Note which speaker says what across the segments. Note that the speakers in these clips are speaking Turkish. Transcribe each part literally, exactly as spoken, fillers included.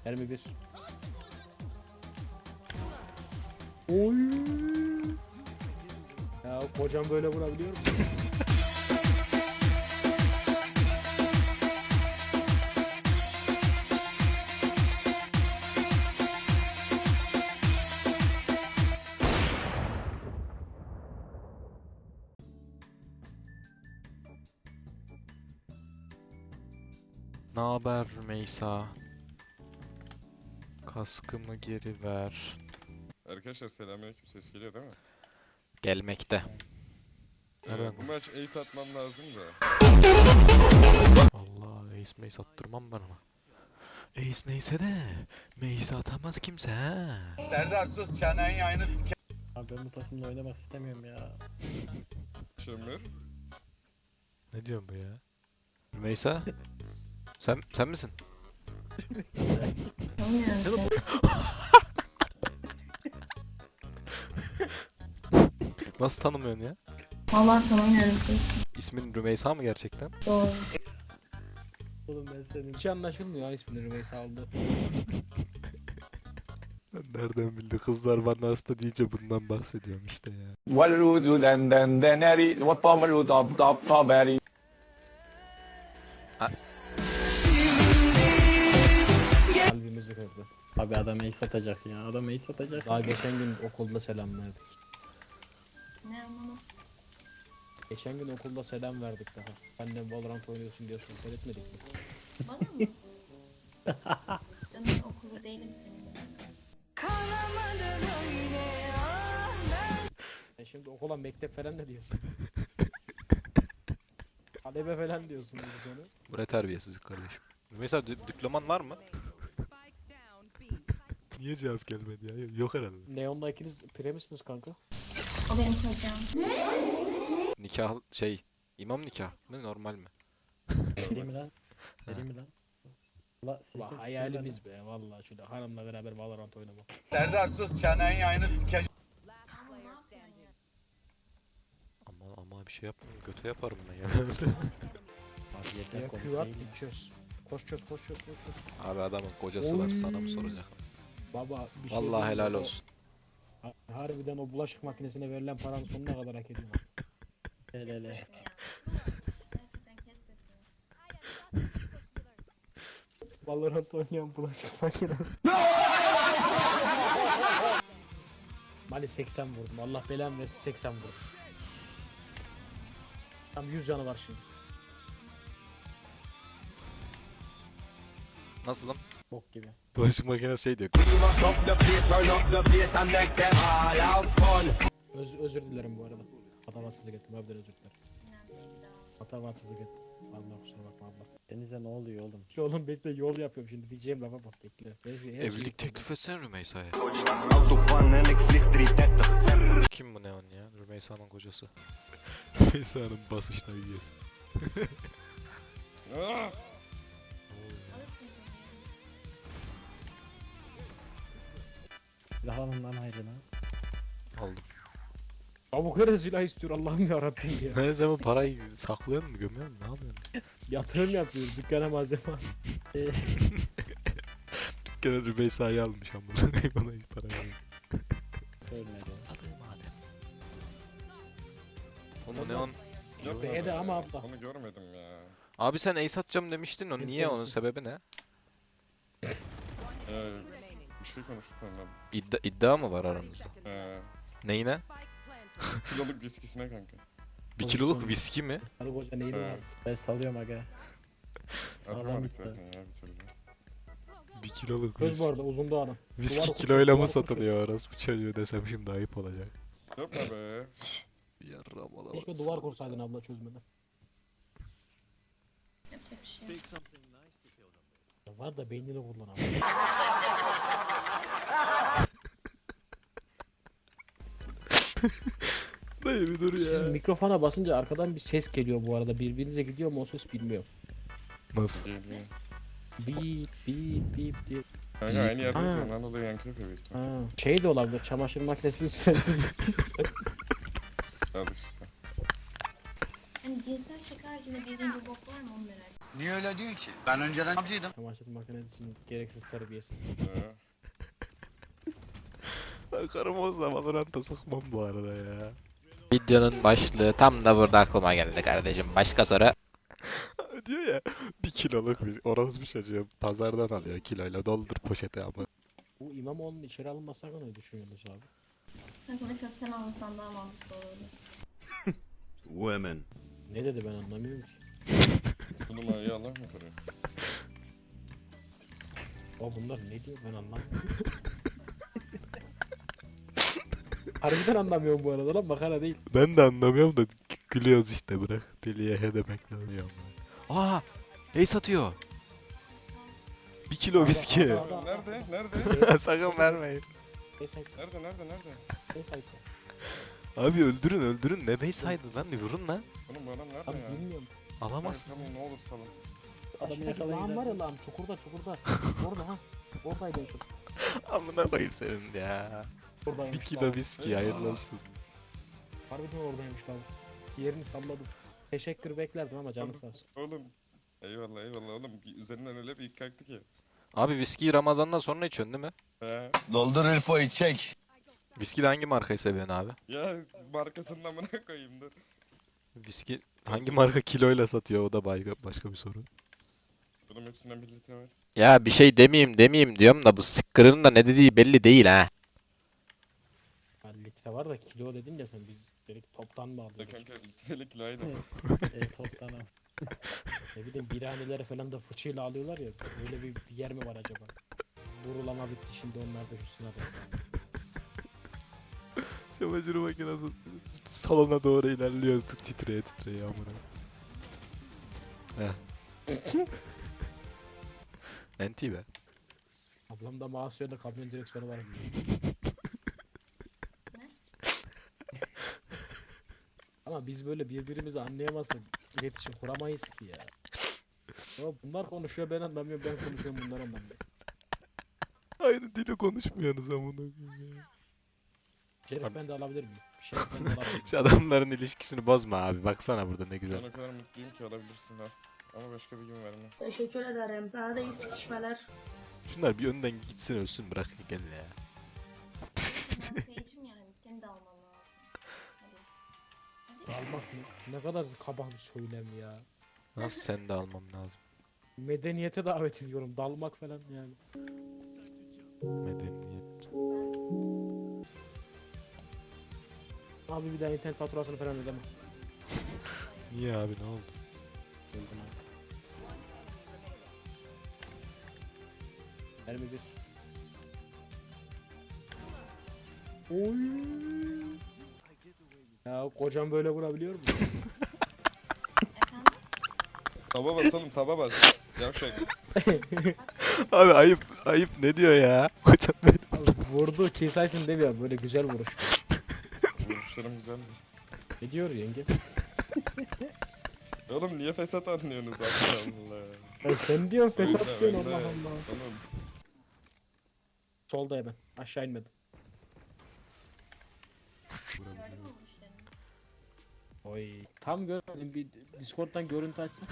Speaker 1: Mermi bir. Oy. Ya kocam böyle vurabiliyor mu?
Speaker 2: Naber Rümeysa? Kaskımı geri ver.
Speaker 3: Arkadaşlar selamünaleyküm, ses geliyor değil mi?
Speaker 2: Gelmekte. Nereden?
Speaker 3: Ee, bu maç ace atmam lazım da.
Speaker 2: Allah ace mace attırmam ben ona. Ace neyse de mace atamaz kimse ha.
Speaker 4: Serdar sus çenenin yayını sike.
Speaker 1: Abi ben bu takımla oynamak istemiyorum ya.
Speaker 3: Çömür.
Speaker 2: Ne diyorsun bu ya? Rümeysa? Sen sen misin?
Speaker 5: Tanımıyorum seni.
Speaker 2: Nasıl tanımıyorsun ya?
Speaker 5: Vallahi tanımıyorum seni.
Speaker 2: İsmin Rümeysa mı gerçekten?
Speaker 5: Doğru.
Speaker 1: Oğlum ben senin. Hiç anlaşılmıyor ya ismini Rümeysa oldu.
Speaker 2: Nereden bildi kızlar bana hasta deyince bundan bahsediyorum işte ya.
Speaker 4: Valudu den den deneri vapamalu dap dap taberi.
Speaker 1: Kalbimizi kırdı. Abi adam ace satacak ya. Adam ace satacak. Daha geçen gün okulda selam verdik.
Speaker 5: Ne anlamadım.
Speaker 1: Geçen gün okulda selam verdik daha. Annem Valorant oynuyorsun diye sohbet etmedik mi?
Speaker 5: Bana mı? Canım okulu değilim senin.
Speaker 1: Sen şimdi okula mektep falan da diyorsun. Talebe falan diyorsun biz onu.
Speaker 2: Bu ne terbiyesizlik kardeşim. Rümeysa dip- diploman var mı? Niye cevap gelmedi ya? Yok herhalde.
Speaker 1: Neon'la ikiniz pire misiniz kanka?
Speaker 5: O benim kocam.
Speaker 2: Nikah şey imam nikah mı normal mi?
Speaker 6: Vereyim mi lan? Vereyim mi lan? Ula
Speaker 1: Valla
Speaker 6: sirke
Speaker 1: hayalimiz be vallahi şöyle hanımla beraber Valorant oynamak.
Speaker 4: Serdar sus çenenin yayını sike.
Speaker 2: Ama ama bir şey yapmıyorum. Göte yaparım ben ya.
Speaker 6: Abi yeter
Speaker 1: Ya
Speaker 6: komik
Speaker 1: Q at
Speaker 6: değil
Speaker 1: git çöz. Koş çöz koş çöz koş çöz.
Speaker 2: Abi adamın kocası var sana mı soracak?
Speaker 1: Baba bir şey
Speaker 2: Vallahi
Speaker 1: diyeyim mi?
Speaker 2: helal
Speaker 1: O-
Speaker 2: olsun.
Speaker 1: ha- Harbiden o bulaşık makinesine verilen paranın sonuna kadar hak ediyor.
Speaker 6: ya. Hele hele.
Speaker 5: Gerçekten kes sesini.
Speaker 1: Valorant oynayan bulaşık makinesi. Mali seksen vurdum. Allah belamı versin seksen vurdum. Tam yüz canı var şimdi.
Speaker 2: Nasılım?
Speaker 6: Bok gibi.
Speaker 2: Bulaşık makinesi şey diyor.
Speaker 1: Öz, özür dilerim bu arada. Hatavatsızlık ettim. Harbiden özür dilerim.
Speaker 5: Önemli değil daha.
Speaker 1: Hatavatsızlık ettim. Vallahi kusura bakma abla.
Speaker 6: Denize ne oluyor oğlum?
Speaker 1: Oğlum bekle yol yapıyorum şimdi diyeceğim lafa bak bekle. Her şey- her şeyi
Speaker 2: Evlilik teklif etsene Rümeysa'ya. Kim bu Neon ya? Rümeysa'nın kocası. Rümeysa'nın basışları üyesi.
Speaker 3: Ah!
Speaker 5: Alırsın
Speaker 6: Silah alın lan haydi lan.
Speaker 2: Aldım.
Speaker 1: Tavuk her silah istiyor Allah'ım yarabbim ya.
Speaker 2: Ne zaman parayı saklıyor mu gömüyor mu ne yapıyorsun?
Speaker 1: Yatırım yapıyor dükkana malzeme al.
Speaker 2: Gene Rümeysa'yı almış ama bana hiç para vermiyor.
Speaker 6: Ölmedi.
Speaker 2: madem. Oğlum Neon.
Speaker 3: Yok
Speaker 1: B'de
Speaker 3: abi,
Speaker 1: ama abla.
Speaker 3: Onu görmedim ya.
Speaker 2: Abi sen ace atacağım demiştin o
Speaker 1: Hepsi
Speaker 2: niye onun
Speaker 1: hepsi.
Speaker 2: sebebi ne?
Speaker 3: Ee, bir şey konuştuk ondan.
Speaker 2: İddia, iddia mı var aramızda?
Speaker 3: Ee,
Speaker 2: Neyine?
Speaker 3: kiloluk viskisine kanka.
Speaker 2: Bir kiloluk viski mi?
Speaker 1: Karı koca neydi
Speaker 3: He.
Speaker 1: var?
Speaker 6: Ben salıyorum aga.
Speaker 3: Atamadık
Speaker 6: bitti.
Speaker 3: zaten ya bir türlü.
Speaker 2: Bir kiloluk
Speaker 1: Göz bu arada uzun doğanım.
Speaker 2: Viski
Speaker 1: Duvar
Speaker 2: kiloyla mı
Speaker 1: kurşun, duvar
Speaker 2: satılıyor orası bu çocuğu desem şimdi ayıp olacak.
Speaker 3: Yapma be.
Speaker 2: Yarram
Speaker 1: Keşke duvar kursaydın abla çözmeden.
Speaker 5: Yapacak bir şey yok.
Speaker 1: Ya var da beynini kullan abi.
Speaker 2: Dayı bir dur
Speaker 1: Siz mikrofona basınca arkadan bir ses geliyor bu arada. Birbirinize gidiyor mu o ses bilmiyorum.
Speaker 2: Nasıl?
Speaker 3: Geliyor.
Speaker 1: Bip bip bip diye.
Speaker 3: Kanka aynı yerdeyiz
Speaker 1: Ha.
Speaker 3: ya. Ondan dolayı yankı yapıyor büyük ihtimalle.
Speaker 1: Ha. Şey de olabilir. Çamaşır makinesinin süresi.
Speaker 3: Al işte.
Speaker 5: Hani cinsel şaka haricinde bildiğin bir bok var mı onu merak ediyorum.
Speaker 7: Niye öyle diyorsun ki? Ben önceden avcıydım.
Speaker 1: Çamaşır makinesi için gereksiz terbiyesiz.
Speaker 3: He.
Speaker 2: Karım olsa Valorant'a sokmam bu arada ya.
Speaker 8: Videonun başlığı tam da burada aklıma geldi kardeşim. Başka soru.
Speaker 2: Diyor ya bir kiloluk bir orospu çocuğu pazardan alıyor kiloyla doldur poşete ama.
Speaker 1: Bu İmamoğlu'nun içeri alınması hakkında ne düşünüyorsunuz abi?
Speaker 5: Kanka mesela sen almasan daha mantıklı olurdu.
Speaker 6: Women.
Speaker 1: Ne dedi ben anlamıyorum ki.
Speaker 3: Bu numarayı Allah mı koruyor?
Speaker 1: O bunlar ne diyor ben anlamıyorum. Harbiden anlamıyorum bu arada lan, makara değil.
Speaker 2: Ben de anlamıyorum da gülüyoruz işte bırak. Deliye he demek lazım. Aa! Ace atıyor. Bir kilo viski.
Speaker 1: Aa,
Speaker 3: Nerede? Nerede?
Speaker 2: Sakın vermeyin.
Speaker 1: Neyse,
Speaker 3: Nerede? Nerede? Nerede?
Speaker 1: neyse.
Speaker 2: Abi öldürün öldürün ne base haydi lan vurun lan.
Speaker 3: Oğlum bu adam nerede
Speaker 1: Abi
Speaker 3: ya?
Speaker 1: bilmiyorum.
Speaker 2: Alamazsın.
Speaker 3: Salın ne olur salın.
Speaker 1: Adamı yakalayın. var ya lan, çukurda çukurda. Orada ha. Oradaydı en son.
Speaker 2: Amına koyayım senin ya.
Speaker 1: Oradaymış.
Speaker 2: Bir kilo
Speaker 1: lan.
Speaker 2: viski hayırlı olsun.
Speaker 1: Harbiden oradaymış lan. Yerini salladım. Teşekkür beklerdim ama canı sağ olsun.
Speaker 3: Oğlum. Eyvallah eyvallah oğlum. Üzerinden öyle bir ilk kalktı ki.
Speaker 2: Abi viskiyi Ramazan'dan sonra içiyorsun değil mi?
Speaker 3: He.
Speaker 7: Doldur Elfo'yu çek.
Speaker 2: Viski de hangi markayı seviyorsun abi?
Speaker 3: Ya markasının amına koyayım dur.
Speaker 2: Viski hangi marka kiloyla satıyor o da başka, başka bir soru.
Speaker 3: Oğlum hepsinden bir litre var.
Speaker 8: Ya bir şey demeyeyim demeyeyim diyorum da bu sıkkırının da ne dediği belli değil ha.
Speaker 1: Ha, litre var da kilo dedin ya sen, biz dedik toptan mı
Speaker 3: Ya
Speaker 1: alıyoruz?
Speaker 3: kanka litrelik kilo aynı.
Speaker 1: e, toptan al. Ne bileyim birhaneleri falan da fıçıyla alıyorlar ya, öyle bir, bir yer mi var acaba? Durulama bitti şimdi, onlar da şu sınavda.
Speaker 2: Çamaşır makinesi salona doğru ilerliyor titreye titreye amına. Heh. Enti be.
Speaker 1: Ablam da Masu'ya kamyon direksiyonu var. Ama biz böyle birbirimizi anlayamazsak iletişim kuramayız ki ya. Ama bunlar konuşuyor ben anlamıyorum, ben konuşuyorum bunlar anlamıyor.
Speaker 2: Aynı dili konuşmuyorsunuz amına koyayım ya.
Speaker 1: Şerif ben de alabilir miyim? Şerif ben de alabilir miyim?
Speaker 2: Şu adamların ilişkisini bozma abi. Baksana burada ne
Speaker 3: Ben
Speaker 2: güzel.
Speaker 3: o kadar mutluyum ki alabilirsin ha. Ama başka bir gün verme.
Speaker 9: Teşekkür ederim. Daha da iyi sıkışmalar.
Speaker 2: Şunlar bir önden gitsin ölsün bırak gel ya.
Speaker 5: Ben Sage'im yani, seni de almam lazım. Hadi.
Speaker 1: Almak mı? Ne kadar kaba bir söylem ya.
Speaker 2: Nasıl sen de almam lazım.
Speaker 1: Medeniyete davet ediyorum, dalmak falan yani.
Speaker 2: Medeniyet.
Speaker 1: Abi bir daha internet faturasını falan ödeme.
Speaker 2: Niye abi ne oldu?
Speaker 1: Öldüm abi. Mermi bir. Oy. Ya kocam böyle vurabiliyor mu?
Speaker 5: Efendim?
Speaker 3: Taba bas oğlum taba bas. Yavşak.
Speaker 2: Abi ayıp ayıp ne diyor ya? Kocam benim.
Speaker 1: Abi vurdu kill sayısını demiyor, böyle güzel vuruş.
Speaker 3: Vuruşlarım güzeldir.
Speaker 1: Ne diyor yenge?
Speaker 3: Oğlum niye fesat anlıyorsunuz Allah Allah.
Speaker 1: Ya sen diyorsun fesat
Speaker 3: Önde,
Speaker 1: diyorsun,
Speaker 3: önde.
Speaker 1: Allah Allah.
Speaker 3: Oğlum
Speaker 1: Solda hemen, aşağı inmedim.
Speaker 5: Gördün mü bu işlerini?
Speaker 1: Oy. Tam görmedim, bir Discord'dan görüntü açsın.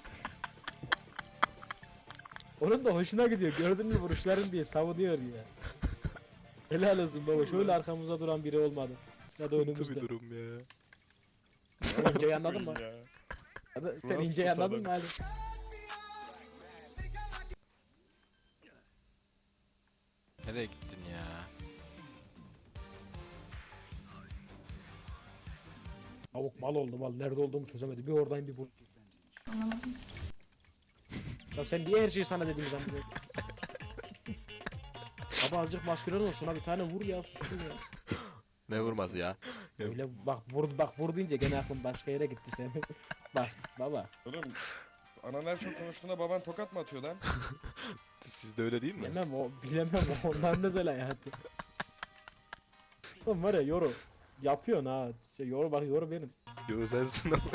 Speaker 1: Onun da hoşuna gidiyor, gördün mü vuruşların diye savunuyor ya. Helal olsun baba, şöyle arkamızda duran biri olmadı. Ya da
Speaker 2: Sıkıntı
Speaker 1: önümüzde.
Speaker 2: bir durum ya.
Speaker 1: Sen inceyi anladın mı?
Speaker 3: ya.
Speaker 1: Ya da sen
Speaker 3: Nasıl
Speaker 1: inceyi anladın
Speaker 3: susadın?
Speaker 1: mı hadi?
Speaker 2: Nereye gittin ya?
Speaker 1: Tavuk mal oldu mal, nerede olduğumu çözemedi. Bir oradayım bir bu.
Speaker 5: Anlamadım.
Speaker 1: Ya sen niye her şeyi sana dediğimi zannediyorsun? Baba azıcık maskülen ol, şuna bir tane vur ya, sussun ya.
Speaker 2: Ne vurması ya?
Speaker 1: Öyle bak vur, bak vur deyince gene aklım başka yere gitti senin. Bak baba.
Speaker 3: Oğlum anan her çok konuştuğunda baban tokat mı atıyor lan?
Speaker 2: Sizde öyle değil mi?
Speaker 1: Bilemem o, bilemem o, ondan özel hayatı. Oğlum var ya yoru. Yapıyorsun ha. Şey, yoru bak, yoru benim.
Speaker 2: Yo sensin ama.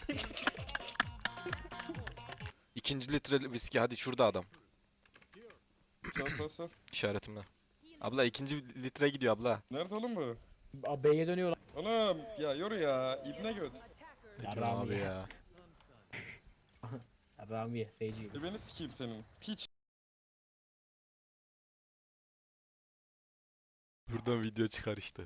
Speaker 2: İkinci litre viski hadi şurada adam.
Speaker 3: Sal sal sal.
Speaker 2: İşaretimle. Abla ikinci litre gidiyor abla.
Speaker 3: Nerede oğlum bu?
Speaker 1: A, B'ye dönüyor lan.
Speaker 3: Oğlum ya yoru ya ibne göt.
Speaker 2: Ne
Speaker 1: Ya
Speaker 2: diyorsun
Speaker 1: Rami
Speaker 2: abi
Speaker 1: ya.
Speaker 2: ya?
Speaker 1: Ramiye, seyirciyim.
Speaker 3: E beni sikeyim senin. Piç.
Speaker 2: Buradan video çıkar işte.